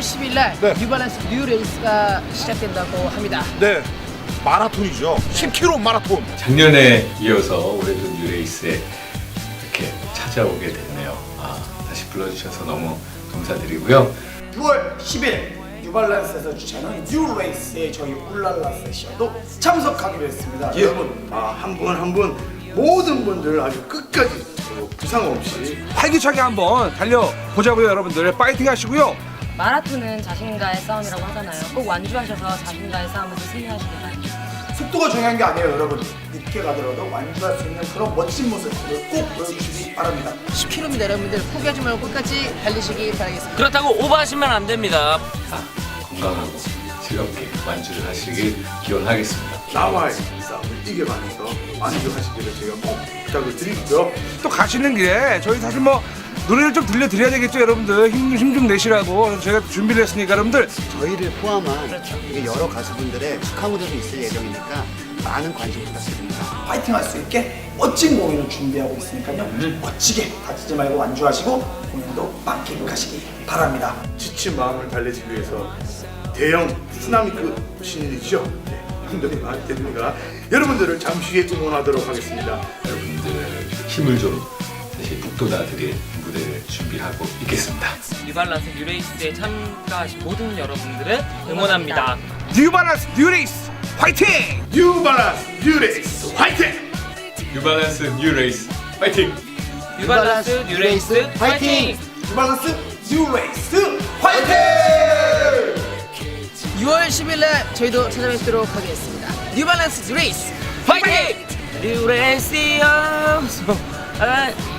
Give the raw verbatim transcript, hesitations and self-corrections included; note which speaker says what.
Speaker 1: 십일 날
Speaker 2: 네.
Speaker 1: 뉴발란스 뉴 레이스가 시작된다고 합니다.
Speaker 2: 네, 마라톤이죠. 십 킬로미터 마라톤.
Speaker 3: 작년에 이어서 올해도 뉴레이스에 이렇게 찾아오게 됐네요. 아, 다시 불러주셔서 너무 감사드리고요.
Speaker 4: 유월 십일 뉴발란스에서 주최하는 뉴레이스에 저희 울랄라 세션도 참석하기로 했습니다.
Speaker 2: 예.
Speaker 4: 여러분 아, 한 분 한 분 모든 분들 아주 끝까지 어, 부상 없이
Speaker 2: 활기차게 한번 달려보자고요, 여러분들. 파이팅 하시고요.
Speaker 5: 마라톤은 자신과의 싸움이라고 하잖아요. 꼭 완주하셔서 자신과의 싸움에서 승리하시길 바랍니다.
Speaker 4: 속도가 중요한 게 아니에요, 여러분. 늦게 가더라도 완주할 수 있는 그런 멋진 모습을 꼭 보여주시기 바랍니다.
Speaker 1: 십 킬로미터 여러분들 포기하지 말고 끝까지 달리시기 바라겠습니다.
Speaker 6: 그렇다고 오버하시면 안 됩니다.
Speaker 3: 다 건강하고 즐겁게 완주를 하시길 기원하겠습니다.
Speaker 4: 나와의 싸움을 이겨가면서 완주하시기를 제가 꼭 부탁을 드리고요.
Speaker 2: 또 가시는 길에 저희 사실 뭐 노래를 좀 들려드려야 되겠죠, 여러분들. 힘 좀 힘 좀 내시라고. 그래서 저희가 준비를 했으니까 여러분들.
Speaker 7: 저희를 포함한 이게 여러 가수분들의 축하 무대도 있을 예정이니까 많은 관심 부탁드립니다.
Speaker 4: 파이팅 할 수 있게 멋진 공연을 준비하고 있으니까요. 멋지게 다치지 말고 완주하시고 공연도 만끽하시기 바랍니다. 지친 마음을 달래기 위해서 대형 쓰나미급 신인이죠. 네, 한동희 마태입니다. 여러분들을 잠시 후에 응원하도록 하겠습니다.
Speaker 3: 여러분들 힘을 좀 다시 북돋아드릴 무대를 준비하고 있겠습니다.
Speaker 6: 뉴발란스 뉴레이스에 참가하신 모든 여러분들을 응원합니다.
Speaker 2: 뉴발란스 뉴레이스 화이팅!
Speaker 4: 뉴발란스 뉴레이스 화이팅!
Speaker 3: 뉴발란스 뉴레이스 파이팅!
Speaker 6: 뉴발란스 뉴레이스 파이팅!
Speaker 4: 뉴발란스 뉴레이스 화이팅!
Speaker 1: 유월 십일 날 저희도 찾아뵙도록 하겠습니다. 뉴발란스 뉴 레이스
Speaker 6: 파이팅! 뉴레이스요. 아,